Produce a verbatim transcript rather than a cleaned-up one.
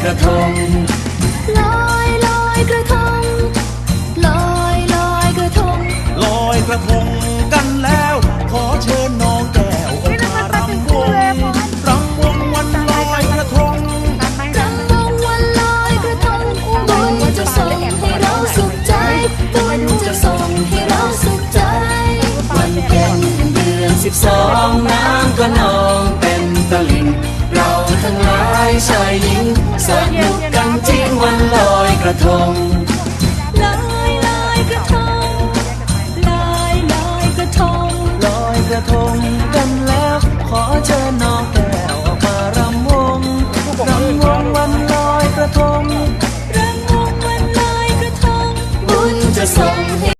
กระทงลอยลอยกระทงลอยลอยกระทงลอยกระทงกันแล้วขอเชิญน้องแก้วออกมารำวงรำวงวันลอยกระทงรำวงวันลอยกระทงบุญจะส่งให้เราสุขใจบุญจะส่งให้เราสุขใจวันเพ็ญเดือนสิบสองน้ำก็นองเต็มตลิ่งเราทั้งหลายชายหญิงสนุกกันจริงวันลอยกระทง